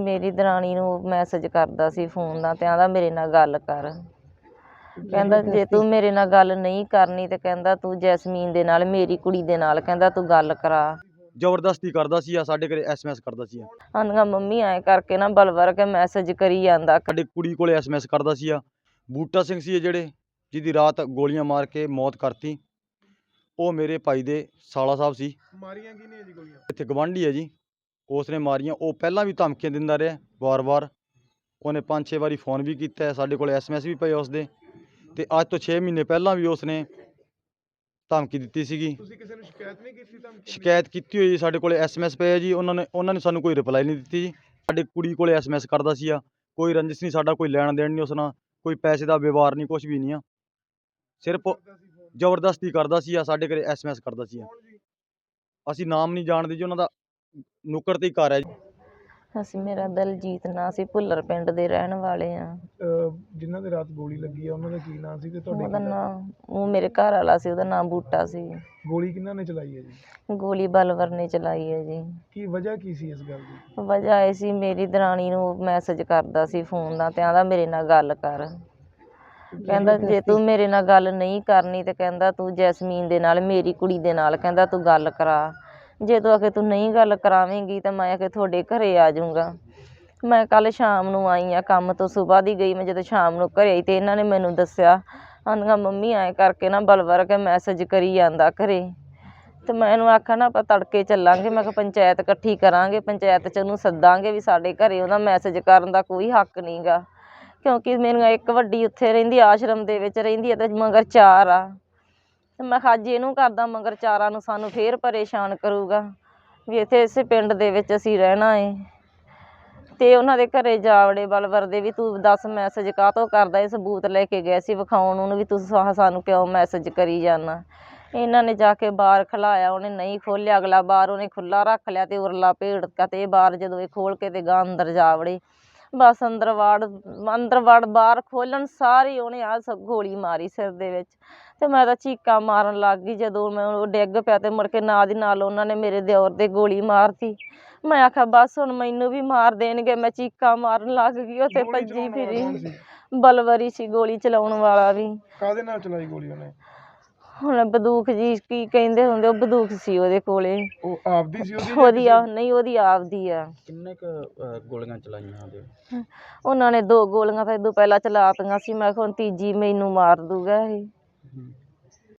ਮੇਰੀ ਦਰਾਣੀ ਨੂੰ ਮੈਸੇਜ ਕਰਦਾ ਸੀ ਫੋਨ ਨਾਲ ਤੇ ਆਂਦਾ ਮੇਰੇ ਨਾਲ ਗੱਲ ਕਰ। ਕਹਿੰਦਾ ਜੇ ਤੂੰ ਮੇਰੇ ਨਾਲ ਗੱਲ ਨਹੀਂ ਕਰਨੀ ਤੇ ਕਹਿੰਦਾ ਤੂੰ ਜੈਸਮੀਨ ਦੇ ਨਾਲ, ਮੇਰੀ ਕੁੜੀ ਦੇ ਨਾਲ ਕਹਿੰਦਾ ਤੂੰ ਗੱਲ ਕਰਾ। ਜ਼ਬਰਦਸਤੀ ਕਰਦਾ ਸੀ ਆ, ਸਾਡੇ ਘਰੇ SMS ਕਰਦਾ ਸੀ। ਆਂਦੀਆਂ ਮੰਮੀ ਐਂ ਕਰਕੇ ਨਾ ਬਲਵਰ ਕੇ ਮੈਸੇਜ ਕਰੀ ਜਾਂਦਾ। ਸਾਡੀ ਕੁੜੀ ਕੋਲੇ SMS ਕਰਦਾ ਸੀ। ਬੂਟਾ ਸਿੰਘ ਸੀ ਜਿਹੜੇ ਜਿਹਦੀ ਰਾਤ ਗੋਲੀਆਂ ਮਾਰ ਕੇ ਮੌਤ ਕਰਤੀ, ਉਹ ਮੇਰੇ ਭਾਈ ਦੇ ਸਾਲਾ ਸਾਹਿਬ ਸੀ। ਮਾਰੀਆਂ ਕਿਹਨੇ ਜੀ ਗੋਲੀਆਂ? ਇੱਥੇ ਗਵਾਂਢੀ ਹੈ ਜੀ, ਉਸਨੇ ਮਾਰੀਆਂ। ਉਹ ਪਹਿਲਾਂ ਵੀ ਧਮਕੀਆਂ ਦਿੰਦਾ ਰਿਹਾ ਵਾਰ-ਵਾਰ। ਉਹਨੇ 5-6 ਵਾਰੀ ਫ਼ੋਨ ਵੀ ਕੀਤਾ, ਸਾਡੇ ਕੋਲ SMS ਵੀ ਪਏ ਉਸਦੇ। ਤੇ ਅੱਜ ਤੋਂ 6 ਮਹੀਨੇ ਪਹਿਲਾਂ ਵੀ ਉਸਨੇ ਧਮਕੀ ਦਿੱਤੀ ਸੀਗੀ। ਤੁਸੀਂ ਕਿਸੇ ਨੂੰ ਸ਼ਿਕਾਇਤ ਨਹੀਂ ਕੀਤੀ? ਧਮਕੀ ਸ਼ਿਕਾਇਤ ਕੀਤੀ ਹੋਈ, ਸਾਡੇ ਕੋਲ SMS ਪਏ ਆ ਜੀ। ਉਹਨਾਂ ਨੇ ਸਾਨੂੰ ਕੋਈ ਰਿਪਲਾਈ ਨਹੀਂ ਦਿੱਤੀ ਜੀ। ਸਾਡੀ ਕੁੜੀ ਕੋਲੇ SMS ਕਰਦਾ ਸੀ। ਕੋਈ ਰੰਜਿਸ਼ ਨਹੀਂ, ਸਾਡਾ ਕੋਈ ਲੈਣ ਦੇਣ ਨਹੀਂ ਉਸ ਨਾਲ, ਕੋਈ ਪੈਸੇ ਦਾ ਵਿਵਹਾਰ ਨਹੀਂ, ਕੁਛ ਵੀ ਨਹੀਂ ਆ। ਸਿਰਫ ਜ਼ਬਰਦਸਤੀ ਕਰਦਾ ਸੀ। ਸਾਡੇ ਘਰੇ SMS ਕਰਦਾ ਸੀ। ਅਸੀਂ ਨਾਮ ਨਹੀਂ ਜਾਣਦੇ ਜੀ ਉਹਨਾਂ ਦਾ, ਨੁੱਕਰ ਤੇ ਹੀ ਘਰ ਹੈ ਜੀ। ਅਸੀਂ ਮੇਰਾ ਦਲਜੀਤ ਨਾਂ ਸੀ, ਭੁੱਲਰ ਪਿੰਡ ਦੇ ਰਹਿਣ ਵਾਲੇ ਆ। ਜਿਨ੍ਹਾਂ ਦੇ ਰਾਤ ਗੋਲੀ ਲੱਗੀ ਆ ਉਹਨਾਂ ਦਾ ਕੀ ਨਾਂ ਸੀ ਤੇ ਤੁਹਾਡੇ? ਉਹਦਾ ਨਾਂ, ਉਹ ਮੇਰੇ ਘਰ ਵਾਲਾ ਸੀ, ਉਹਦਾ ਨਾਂ ਬੂਟਾ ਸੀ। ਗੋਲੀ ਕਿਹਨਾਂ ਨੇ ਚਲਾਈ ਹੈ ਜੀ? ਗੋਲੀ ਬਲਵਰ ਨੇ ਚਲਾਈ ਹੈ ਜੀ। ਕੀ ਵਜ੍ਹਾ ਕੀ ਸੀ ਇਸ ਗੱਲ ਦੀ? ਵਜ੍ਹਾ ਇਹ ਸੀ ਮੇਰੀ ਦਰਾਣੀ ਨੂੰ ਮੈਸੇਜ ਕਰਦਾ ਸੀ ਫੋਨ ਨਾਲ ਤੇ ਆਂਦਾ ਮੇਰੇ ਨਾਲ ਗੱਲ ਕਰ। ਕਹਿੰਦਾ ਜੇ ਤੂੰ ਮੇਰੇ ਨਾਲ ਗੱਲ ਨਹੀਂ ਕਰਨੀ ਤੇ ਕਹਿੰਦਾ ਤੂੰ ਜੈਸਮੀਨ ਦੇ ਨਾਲ, ਮੇਰੀ ਕੁੜੀ ਦੇ ਨਾਲ ਕਹਿੰਦਾ ਤੂੰ ਗੱਲ ਕਰਾ। ਜੇ ਤੂੰ ਆਖੇ ਤੂੰ ਨਹੀਂ ਗੱਲ ਕਰਾਵੇਂਗੀ ਤਾਂ ਮੈਂ ਆਖੇ ਤੁਹਾਡੇ ਘਰੇ ਆ ਜਾਊਂਗਾ। ਮੈਂ ਕੱਲ੍ਹ ਸ਼ਾਮ ਨੂੰ ਆਈ ਆ ਕੰਮ ਤੋਂ, ਸੁਬਾਹ ਦੀ ਗਈ। ਮੈਂ ਜਦੋਂ ਸ਼ਾਮ ਨੂੰ ਘਰੇ ਆਈ ਤੇ ਇਹਨਾਂ ਨੇ ਮੈਨੂੰ ਦੱਸਿਆ, ਆਂਦੀਆਂ ਮੰਮੀ ਐਂ ਕਰਕੇ ਨਾ ਬਲਵਰ ਕੇ ਮੈਸੇਜ ਕਰੀ ਜਾਂਦਾ ਘਰੇ। ਤੇ ਮੈਂ ਇਹਨੂੰ ਆਖਿਆ ਨਾ ਆਪਾਂ ਤੜਕੇ ਚੱਲਾਂਗੇ। ਮੈਂ ਕਿਹਾ ਪੰਚਾਇਤ ਇਕੱਠੀ ਕਰਾਂਗੇ, ਪੰਚਾਇਤ 'ਚ ਉਹਨੂੰ ਸੱਦਾਂਗੇ ਵੀ ਸਾਡੇ ਘਰੇ ਉਹਦਾ ਮੈਸੇਜ ਕਰਨ ਦਾ ਕੋਈ ਹੱਕ ਨਹੀਂ ਗਾ। ਕਿਉਂਕਿ ਮੇਰੀਆਂ ਇੱਕ ਵੱਡੀ ਉੱਥੇ ਰਹਿੰਦੀ, ਆਸ਼ਰਮ ਦੇ ਵਿੱਚ ਰਹਿੰਦੀ ਹੈ ਤੇ ਮਗਰ 4 ਆ। ਤੇ ਮੈਂ ਕਿਹਾ ਅੱਜ ਇਹਨੂੰ ਕਰਦਾ ਮਗਰ 4 ਨੂੰ ਸਾਨੂੰ ਫੇਰ ਪਰੇਸ਼ਾਨ ਕਰੂਗਾ ਵੀ ਇੱਥੇ ਇਸੇ ਪਿੰਡ ਦੇ ਵਿੱਚ ਅਸੀਂ ਰਹਿਣਾ ਏ। ਤੇ ਉਹਨਾਂ ਦੇ ਘਰੇ ਜਾ ਵੜੇ ਬਲਵਰ ਦੇ ਵੀ ਤੂੰ ਦੱਸ ਮੈਸੇਜ ਕਾਹਤੋਂ ਕਰਦਾ। ਇਹ ਸਬੂਤ ਲੈ ਕੇ ਗਏ ਸੀ ਵਿਖਾਉਣ ਉਹਨੂੰ ਵੀ ਤੂੰ ਸਾਨੂੰ ਕਿਉਂ ਮੈਸੇਜ ਕਰੀ ਜਾਂਦਾ। ਇਹਨਾਂ ਨੇ ਜਾ ਕੇ ਬਾਰ ਖਲਾਇਆ, ਉਹਨੇ ਨਹੀਂ ਖੋਲ੍ਹਿਆ। ਅਗਲਾ ਬਾਰ ਉਹਨੇ ਖੁੱਲ੍ਹਾ ਰੱਖ ਲਿਆ ਤੇ ਉਰਲਾ ਭੇੜਤਾ ਤੇ ਇਹ ਬਾਰ ਜਦੋਂ ਇਹ ਖੋਲ੍ਹ ਕੇ ਤੇ ਗਾਂ ਅੰਦਰ ਜਾ ਵੜੇ। ਬਸ ਅੰਦਰ ਵੜ ਬਾਹਰ ਖੋਲ੍ਹਣ ਸਾਰੀ ਉਹਨੇ ਗੋਲੀ ਮਾਰੀ ਸਿਰ ਦੇ ਵਿੱਚ। ਤੇ ਮੈਂ ਤਾਂ ਚੀਕਾਂ ਮਾਰਨ ਲੱਗ ਗਈ ਜਦੋਂ ਮੈਂ ਉਹ ਡਿੱਗ ਪਿਆ ਤੇ ਮੁੜ ਕੇ ਨਾਲ ਦੀ ਨਾਲ ਉਹਨਾਂ ਨੇ ਮੇਰੇ ਦਿਓਰ ਦੇ ਗੋਲੀ ਮਾਰਤੀ। ਮੈਂ ਆਖਿਆ ਬਸ ਹੁਣ ਮੈਨੂੰ ਵੀ ਮਾਰ ਦੇਣਗੇ। ਮੈਂ ਚੀਕਾਂ ਮਾਰਨ ਲੱਗ ਗਈ, ਉੱਥੇ ਭੱਜੀ ਫਿਰੀ। ਬਲਵਰ ਸੀ ਗੋਲੀ ਚਲਾਉਣ ਵਾਲਾ ਵੀ। ਕਾਹਦੇ ਨਾਲ ਚਲਾਈ ਗੋਲੀ ਉਹਨੇ? ਹੁਣ ਬੰਦੂਕ ਜੀ ਕੀ ਕਹਿੰਦੇ ਹੁੰਦੇ, ਉਹ ਬੰਦੂਕ ਸੀ ਉਹਦੇ ਕੋਲੇ। ਉਹ ਆਪਦੀ ਸੀ ਉਹਦੀ? ਨਹੀਂ ਉਹਦੀ ਆਪਦੀ ਆ। ਕਿੰਨੇ ਕੁ ਗੋਲੀਆਂ ਚਲਾਈਆਂ ਉਹਦੇ? ਉਹਨਾਂ ਨੇ 2 ਗੋਲੀਆਂ ਤਾਂ ਇਦੋਂ ਪਹਿਲਾਂ ਚਲਾਤੀਆਂ ਸੀ। ਮੈਂ ਕਿਹਾ ਹੁਣ ਤੀਜੀ ਮੈਨੂੰ ਮਾਰ ਦੂਗਾ ਇਹ।